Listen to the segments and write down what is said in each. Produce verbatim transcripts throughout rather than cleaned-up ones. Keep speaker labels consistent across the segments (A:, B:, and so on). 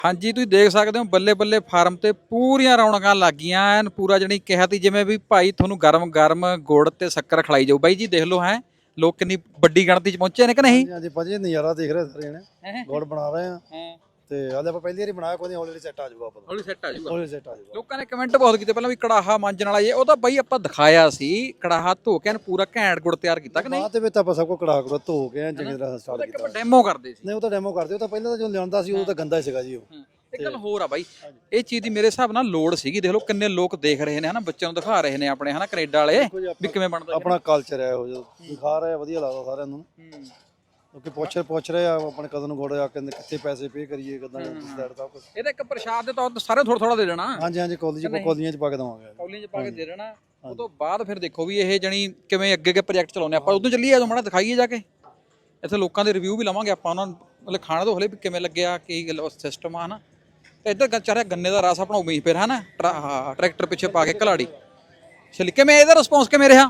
A: ਹਾਂਜੀ ਤੁਸੀਂ ਦੇਖ ਸਕਦੇ ਹੋ ਬੱਲੇ ਬੱਲੇ ਫਾਰਮ ਤੇ ਪੂਰੀਆਂ ਰੌਣਕਾਂ ਲੱਗ ਗਈਆਂ ਐਨ ਪੂਰਾ ਜਣੀ ਕਿਹਾ ਤੀ ਜਿਵੇਂ ਵੀ ਭਾਈ ਤੁਹਾਨੂੰ ਗਰਮ ਗਰਮ ਗੁੜ ਤੇ ਸ਼ੱਕਰ ਖਿਲਾਈ ਜਾਊ ਬਾਈ ਜੀ ਦੇਖ ਲਓ ਹੈ ਲੋਕ ਕਿੰਨੀ ਵੱਡੀ ਗਿਣਤੀ ਚ ਪਹੁੰਚੇ ਨੇ ਕਿ ਨਹੀਂ।
B: ਹਾਂਜੀ ਹਾਂਜੀ ਭਾਜੀ ਨਜ਼ਾਰਾ ਦੇਖ ਰਹੇ ਸਾਰੇ ਜਣੇ ਗੁੜ ਬਣਾ ਰਹੇ ਆ
A: ਹਾਂ
B: ਤੇ ਹਾਲੇ ਆਪਾਂ ਪਹਿਲੀ ਵਾਰੀ ਬਣਾਇਆ ਕੋਈ ਹੌਲੀ ਸੈੱਟ ਆ ਜਾਊਗਾ ਆਪਾਂ
A: ਹੌਲੀ ਸੈੱਟ ਆ ਜਾਊਗਾ
B: ਹੌਲੀ ਸੈੱਟ ਆ ਜਾਊਗਾ।
A: ਲੋਕਾਂ ਨੇ ਕਮੈਂਟ ਬਹੁਤ ਕੀਤੇ ਪਹਿਲਾਂ ਵੀ ਕੜਾਹਾ ਮਾਂਜਣ ਵਾਲਾ ਇਹ ਉਹ ਤਾਂ ਬਾਈ ਆਪਾਂ ਦਿਖਾਇਆ ਸੀ ਕੜਾਹਾ ਧੋ ਕੇ ਐਨ ਪੂਰਾ ਘੈਂਟ ਗੁੜ ਤਿਆਰ ਕੀਤਾ ਕਿ ਨਹੀਂ।
B: ਬਾਅਦ ਦੇ ਵਿੱਚ ਆਪਾਂ ਸਭ ਕੁਝ ਕੜਾ ਕੜਾ ਧੋ ਕੇ ਐਨ ਚੰਗੀ ਤਰ੍ਹਾਂ ਸਟਾਰਟ
A: ਇੱਕ
B: ਕੀਤਾ।
A: ਆਪਾਂ ਡੈਮੋ ਕਰਦੇ ਸੀ
B: ਨਹੀਂ ਉਹ ਤਾਂ ਡੈਮੋ ਕਰਦੇ ਉਹ ਤਾਂ ਪਹਿਲਾਂ ਤਾਂ ਜੋ ਲਿਆਉਂਦਾ ਸੀ ਉਹ ਤਾਂ ਗੰਦਾ ਹੀ ਸੀਗਾ ਜੀ ਉਹ।
A: ਇੱਕ ਗੱਲ ਹੋਰ ਆ ਬਾਈ ਇਹ ਚੀਜ਼ ਦੀ ਮੇਰੇ ਹਿਸਾਬ ਨਾਲ ਲੋੜ ਸੀਗੀ ਦੇਖ ਲਓ ਕਿੰਨੇ ਲੋਕ ਦੇਖ ਰਹੇ ਨੇ ਹਨਾ ਬੱਚਿਆਂ ਨੂੰ ਦਿਖਾ ਰਹੇ ਨੇ ਆਪਣੇ ਹਨਾ ਕੈਨੇਡਾ ਵਾਲੇ ਵੀ ਕਿਵੇਂ ਬਣਦਾ
B: ਆਪਣਾ ਕਲਚਰ ਹੈ ਉਹ ਜੋ ਦਿਖਾ ਰਹੇ ਆ ਵਧੀਆ ਲੱਗਦਾ ਸਾਰਿਆਂ ਨੂੰ ਕਿਉਂਕਿ ਪੁੱਛ ਪੁੱਛ ਰਹੇ ਆ ਆਪਣੇ ਕਦੋਂ ਨੂੰ ਗੁੜ ਆ ਕਹਿੰਦੇ ਕਿੱਥੇ ਪੈਸੇ ਪੇ ਕਰੀਏ ਕਿਦਾਂ ਸੈਟ ਸਭ ਕੁਝ।
A: ਇਹਦਾ ਇੱਕ ਪ੍ਰਸ਼ਾਦ ਦੇ ਤੌਰ ਤੇ ਸਾਰੇ ਥੋੜਾ ਥੋੜਾ ਦੇ ਦੇਣਾ
B: ਹਾਂਜੀ ਹਾਂਜੀ ਕਾਲਜ ਕਾਲਜੀਆਂ ਚ ਪਾ ਕੇ ਦਵਾਂਗੇ
A: ਕੌਲੀਆਂ 'ਚ ਪਾ ਕੇ ਦੇ ਦੇਣਾ ਉਹ ਤੋਂ ਬਾਅਦ ਫਿਰ ਦੇਖੋ ਵੀ ਇਹ ਜਣੀ ਕਿਵੇਂ ਅੱਗੇ ਅੱਗੇ ਪ੍ਰੋਜੈਕਟ ਚਲਾਉਂਦੇ ਆਪਾਂ ਉਦੋਂ ਚੱਲੀਏ ਜਦੋਂ ਮਾੜਾ ਦਿਖਾਈਏ ਜਾ ਕੇ ਇੱਥੇ ਲੋਕਾਂ ਦੇ ਰਿਵਿਊ ਵੀ ਲਵਾਂਗੇ ਆਪਾਂ ਉਹਨਾਂ ਨੂੰ ਮਤਲਬ ਖਾਣਾ ਤੋਂ ਹਲੇ ਵੀ ਕਿਵੇਂ ਲੱਗਿਆ ਕੀ ਸਿਸਟਮ ਆ ਹਨਾ ਤੇ ਇੱਧਰ ਚਾਰਿਆ ਗੰਨੇ ਦਾ ਰਸ ਆਪਣਾ ਉਮੀਦ ਫਿਰ ਹਨਾ ਟਰੈਕਟਰ ਪਿੱਛੇ ਪਾ ਕੇ ਘਲਾੜੀ ਚਲੀ ਕਿਵੇਂ ਇਹਦਾ ਰਿਸਪੌਂਸ ਕਿਵੇਂ ਰਿਹਾ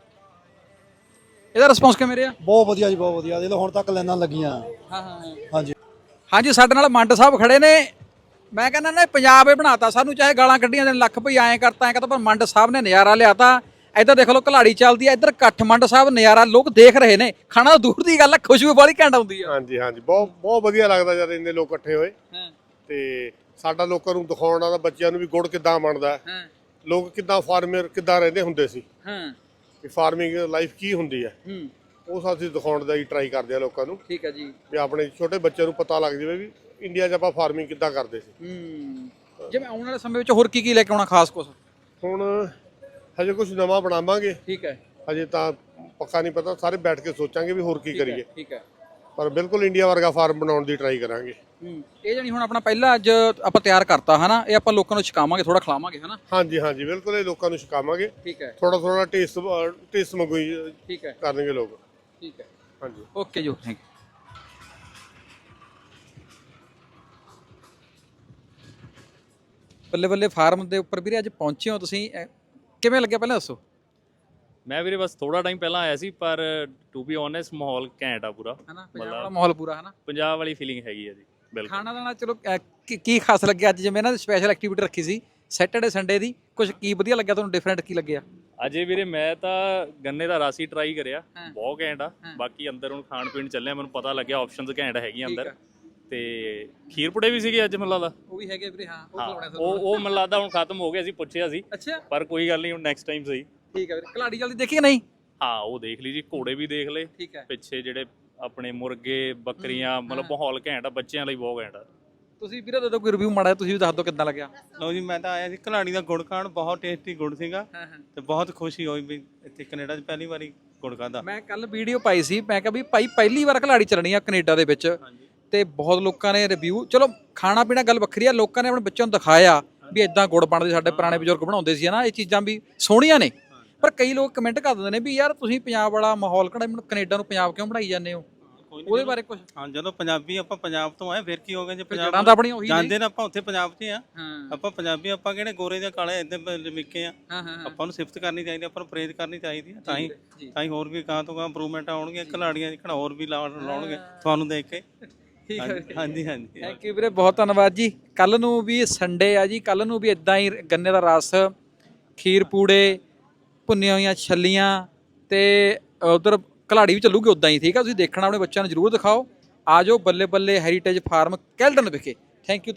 A: ਇਹਦਾ ਰਿਸਪੌਂਸ ਕਿਵੇਂ ਰਿਹਾ।
B: ਬਹੁਤ ਵਧੀਆ ਜੀ ਬਹੁਤ ਵਧੀਆ ਦੇਖ ਲਓ ਹੁਣ ਤੱਕ ਲਾਈਨਾਂ ਲੱਗੀਆਂ।
A: ਹਾਂ ਹਾਂ
B: ਹਾਂਜੀ
A: ਹਾਂਜੀ ਸਾਡੇ ਨਾਲ ਮੰਡ ਸਾਹਿਬ ਖੜੇ ਨੇ ਮੈਂ ਕਹਿੰਦਾ ਨਾ ਪੰਜਾਬ ਇਹ ਬਣਾਤਾ ਸਾਨੂੰ ਚਾਹੇ ਗਾਲਾਂ ਕੱਢੀਆਂ ਦੇ ਲੱਖ ਭਈ ਐਂ ਕਰਤਾ ਐਂ ਕਰਤਾ ਪਰ ਮੰਡ ਸਾਹਿਬ ਨੇ ਨਜ਼ਾਰਾ ਲਿਆਤਾ। ਇੱਧਰ ਦੇਖ ਲਓ ਘਲਾੜੀ ਚੱਲਦੀ ਆ ਇੱਧਰ ਇਕੱਠ ਮੰਡ ਸਾਹਿਬ ਨਜ਼ਾਰਾ ਲੋਕ ਦੇਖ ਰਹੇ ਨੇ ਖਾਣਾ ਦੂਰ ਦੀ ਗੱਲ ਆ ਖੁਸ਼ਬੂ ਬੜੀ ਘੈਂਟ ਆਉਂਦੀ ਆ।
C: ਹਾਂਜੀ ਹਾਂਜੀ ਬਹੁਤ ਬਹੁਤ ਵਧੀਆ ਲੱਗਦਾ ਜਦ ਇੰਨੇ ਲੋਕ ਇਕੱਠੇ ਹੋਏ ਤੇ ਸਾਡਾ ਲੋਕਾਂ ਨੂੰ ਦਿਖਾਉਣ ਦਾ ਬੱਚਿਆਂ ਨੂੰ ਵੀ ਗੁੜ ਕਿੱਦਾਂ ਬਣਦਾ ਲੋਕ ਕਿੱਦਾਂ ਫਾਰਮਰ ਕਿੱਦਾਂ ਰਹਿੰਦੇ ਹੁੰਦੇ ਸੀ ਵੀ ਫਾਰਮਿੰਗ ਲਾਈਫ ਕੀ ਹੁੰਦੀ ਹੈ ਉਹ ਅਸੀਂ ਦਿਖਾਉਣ ਦਾ ਹੀ ਟਰਾਈ ਕਰਦੇ ਆ ਲੋਕਾਂ ਨੂੰ।
A: ਠੀਕ ਹੈ ਜੀ
C: ਵੀ ਆਪਣੇ ਛੋਟੇ ਬੱਚਿਆਂ ਨੂੰ ਪਤਾ ਲੱਗ ਜਾਵੇ ਵੀ ਇੰਡੀਆ 'ਚ ਆਪਾਂ ਫਾਰਮਿੰਗ ਕਿੱਦਾਂ ਕਰਦੇ ਸੀ।
A: ਹੂੰ ਜਿਵੇਂ ਆਉਣ ਵਾਲੇ ਸਮੇਂ ਵਿੱਚ ਹੋਰ ਕੀ ਕੀ ਲੈ ਕੇ ਆਉਣਾ ਖਾਸ ਕੁਛ
C: ਹੁਣ ਹਜੇ ਕੁਝ ਨਵਾਂ ਬਣਾਵਾਂਗੇ
A: ਠੀਕ ਹੈ
C: ਹਜੇ ਤਾਂ ਪੱਕਾ ਨਹੀਂ ਪਤਾ ਸਾਰੇ ਬੈਠ ਕੇ ਸੋਚਾਂਗੇ ਵੀ ਹੋਰ ਕੀ ਕਰੀਏ
A: ਠੀਕ ਹੈ
C: ਪਰ ਬਿਲਕੁਲ ਇੰਡੀਆ ਵਰਗਾ ਫਾਰਮ ਬਣਾਉਣ ਦੀ ਟਰਾਈ ਕਰਾਂਗੇ।
A: ਇਹ ਜਣੀ ਹੁਣ ਆਪਣਾ ਪਹਿਲਾ ਅੱਜ ਆਪਾਂ ਤਿਆਰ ਕਰਤਾ ਹਨਾ ਇਹ ਆਪਾਂ ਲੋਕਾਂ ਨੂੰ ਛਕਾਵਾਂਗੇ ਥੋੜਾ ਖਿਲਾਵਾਂਗੇ ਹਨਾ।
C: ਹਾਂਜੀ ਹਾਂਜੀ ਬਿਲਕੁਲ ਇਹ ਲੋਕਾਂ ਨੂੰ ਛਕਾਵਾਂਗੇ
A: ਠੀਕ ਹੈ
C: ਥੋੜਾ ਥੋੜਾ ਟੇਸਟ ਟੇਸਟ ਮੰਗੂਈ
A: ਠੀਕ ਹੈ
C: ਕਰਨਗੇ ਲੋਕ।
A: ਠੀਕ ਹੈ
C: ਹਾਂਜੀ
A: ਓਕੇ ਜੀ ਥੈਂਕ ਯੂ। ਬੱਲੇ ਬੱਲੇ ਫਾਰਮ ਦੇ ਉੱਪਰ ਵੀਰੇ ਅੱਜ ਪਹੁੰਚੇ ਹੋ ਤੁਸੀਂ ਕਿਵੇਂ ਲੱਗਿਆ ਪਹਿਲਾਂ ਦੱਸੋ।
D: ਮੈਂ ਵੀਰੇ ਬਸ ਥੋੜਾ ਟਾਈਮ ਪਹਿਲਾਂ ਆਇਆ ਸੀ ਪਰ ਟੂ ਬੀ ਓਨੈਸਟ ਮਾਹੌਲ ਘੈਂਟ ਆ ਪੂਰਾ
A: ਹਨਾ ਪੰਜਾਬ ਵਾਲਾ ਮਾਹੌਲ ਪੂਰਾ ਹਨਾ
D: ਪੰਜਾਬ ਵਾਲੀ ਫੀਲਿੰਗ ਹੈਗੀ ਆ ਜੀ ਬਿਲਕੁਲ।
A: ਖਾਣਾ ਦਾਣਾ ਚਲੋ ਕੀ ਖਾਸ ਲੱਗਿਆ ਅੱਜ ਜਿਵੇਂ ਇਹਨਾਂ ਦੀ ਸਪੈਸ਼ਲ ਐਕਟੀਵਿਟੀ ਰੱਖੀ ਸੀ ਸੈਟਰਡੇ ਸੰਡੇ ਦੀ ਕੁਝ ਕੀ ਵਧੀਆ ਲੱਗਿਆ ਤੁਹਾਨੂੰ ਡਿਫਰੈਂਟ ਕੀ ਲੱਗਿਆ।
D: ਅਜੇ ਵੀਰੇ ਮੈਂ ਤਾਂ ਗੰਨੇ ਦਾ ਰਸ ਹੀ ਟਰਾਈ ਕਰਿਆ ਬਹੁਤ ਘੈਂਟ ਆ ਬਾਕੀ ਅੰਦਰ ਹੁਣ ਖਾਣ ਪੀਣ ਚੱਲਿਆ ਮੈਨੂੰ ਪਤਾ ਲੱਗਿਆ ਆਪਸ਼ਨਸ ਘੈਂਟ ਹੈਗੀਆਂ ਅੰਦਰ ਤੇ ਖੀਰ ਪੁੜੇ ਵੀ ਸੀਗੇ ਅੱਜ ਮੈਨੂੰ ਲੱਗਦਾ
A: ਉਹ ਵੀ ਹੈਗੇ ਵੀਰੇ ਹਾਂ
D: ਉਹ ਉਹ ਮੈਨੂੰ ਲੱਗਦਾ ਹੁਣ ਖਤਮ ਹੋ ਗਿਆ ਸੀ ਪੁੱਛਿਆ ਸੀ
A: ਅੱਛਾ ਪਰ
D: ਕੋਈ ਗੱਲ ਨਹੀਂ ਹੁਣ ਨੈਕਸਟ ਟਾਈਮ ਸਹੀ।
A: ਠੀਕ ਹੈ ਵੀਰੇ ਘਲਾੜੀ ਜਲਦੀ ਦੇਖੀ ਕਿ ਨਹੀਂ।
D: ਹਾਂ ਉਹ ਦੇਖ ਲਈ ਜੀ ਘੋੜੇ ਵੀ ਦੇਖ ਲਏ
A: ਠੀਕ ਹੈ
D: ਪਿੱਛੇ ਜਿਹੜੇ ਆਪਣੇ ਮੁਰਗੇ ਬੱਕਰੀਆਂ ਮਤਲਬ ਮਾਹੌਲ ਘੈਂਟ ਆ ਬੱਚਿਆਂ ਲਈ ਬਹੁਤ ਘੈਂਟ ਆ।
A: ਤੁਸੀਂ ਵੀਰੇ ਦੱਸੋ ਕੋਈ ਰਿਵਿਊ ਮਾੜਾ ਤੁਸੀਂ ਵੀ ਦੱਸ ਦਿਓ ਕਿੱਦਾਂ ਲੱਗਿਆ।
E: ਲਓ ਜੀ ਮੈਂ ਤਾਂ ਆਇਆ ਸੀ ਘਲਾੜੀ ਦਾ ਗੁੜ ਖਾਣ ਬਹੁਤ ਟੇਸਟੀ ਗੁੜ ਸੀਗਾ ਤੇ ਬਹੁਤ ਖੁਸ਼ੀ ਹੋਈ ਵੀ ਇੱਥੇ ਕੈਨੇਡਾ 'ਚ ਪਹਿਲੀ ਵਾਰੀ ਗੁੜ ਖਾਦਾ।
A: ਮੈਂ ਕੱਲ ਵੀਡੀਓ ਪਾਈ ਸੀ ਮੈਂ ਕਿਹਾ ਵੀ ਭਾਈ ਪਹਿਲੀ ਵਾਰ ਘਲਾੜੀ ਚੱਲਣੀ ਆ ਕੈਨੇਡਾ ਦੇ ਵਿੱਚ ਤੇ ਬਹੁਤ ਲੋਕਾਂ ਨੇ ਰਿਵਿਊ ਚਲੋ ਖਾਣਾ ਪੀਣਾ ਗੱਲ ਵੱਖਰੀ ਆ ਲੋਕਾਂ ਨੇ ਆਪਣੇ ਬੱਚਿਆਂ ਨੂੰ ਦਿਖਾਇਆ ਵੀ ਇਦਾਂ ਗੁੜ ਬਣਦੇ ਸਾਡੇ ਪੁਰਾਣੇ ਬਜ਼ੁਰਗ ਬਣਾਉਂਦੇ ਸੀ ਹਨਾ ਇਹ ਚੀਜ਼ਾਂ ਵੀ ਸੋਹਣੀਆਂ ਨੇ ਪਰ ਕਈ ਲੋਕ ਕਮੈਂਟ ਕਰ ਦਿੰਦੇ ਨੇ ਵੀ ਯਾਰ ਤੁਸੀਂ ਪੰਜਾਬ ਵਾਲਾ ਮਾਹੌਲ ਕਿਹੜਾ ਕੈਨੇਡਾ ਨੂੰ ਪੰਜਾਬ ਕਿਉਂ ਬਣਾਈ ਜਾਂਦੇ ਹੋ ਉਹਦੇ ਬਾਰੇ ਕੁਝ।
E: ਹਾਂ ਜਦੋਂ ਪੰਜਾਬੀ ਆਪਾਂ ਪੰਜਾਬ ਤੋਂ ਆਏ ਫਿਰ ਕੀ ਹੋ ਗਿਆ ਜੇ ਪੰਜਾਬ
A: ਜੜਾਂ ਤਾਂ ਆਪਣੀਆਂ ਉਹੀ
E: ਜਾਂਦੇ ਨਾ ਆਪਾਂ ਉੱਥੇ ਪੰਜਾਬ 'ਚ ਆ ਆਪਾਂ ਪੰਜਾਬੀ ਆਪਾਂ ਕਿਹੜੇ ਗੋਰੇ ਜਾਂ ਕਾਲੇ ਇਦਾਂ ਲਿਮਿਕੇ ਆ ਆਪਾਂ ਨੂੰ ਸਿਫਤ ਕਰਨੀ ਚਾਹੀਦੀ ਆਪਾਂ ਨੂੰ ਪ੍ਰੇਜ਼ ਕਰਨੀ ਚਾਹੀਦੀ ਤਾਂ ਹੀ ਤਾਂ ਹੀ ਹੋਰ ਵੀ ਗਾਂ ਤੋਂ ਗਾਂ ਇੰਪਰੂਵਮੈਂਟ ਆਉਣਗੀਆਂ ਘਲਾੜੀਆਂ ਜਿਹੜਾ ਹੋਰ ਵੀ ਲਾਉਣਗੇ ਤੁਹਾਨੂੰ ਦੇਖ ਕੇ। ਹਾਂਜੀ ਹਾਂਜੀ
A: ਥੈਂਕ ਯੂ ਵੀਰੇ ਬਹੁਤ ਧੰਨਵਾਦ ਜੀ। ਕੱਲ ਨੂੰ ਵੀ ਸੰਡੇ ਆ ਜੀ ਕੱਲ ਨੂੰ ਵੀ ਇਦਾਂ ਹੀ ਗੰਨੇ ਦਾ ਰਸ ਖੀਰ ਪੂੜੇ ਭੁੰਨੀਆਂ ਹੋਈਆਂ ਛੱਲੀਆਂ ਤੇ ਉਧਰ ਘਲਾੜੀ ਵੀ ਚੱਲੂਗੀ ਉਦਾਂ ਹੀ ਠੀਕ ਆ ਤੁਸੀਂ ਦੇਖਣਾ ਆਪਣੇ ਬੱਚਿਆਂ ਨੂੰ ਜ਼ਰੂਰ ਦਿਖਾਓ ਆ ਜਾਓ ਬੱਲੇ ਬੱਲੇ ਹੈਰੀਟੇਜ ਫਾਰਮ ਕੈਲਟਨ ਵਿਖੇ। Thank you.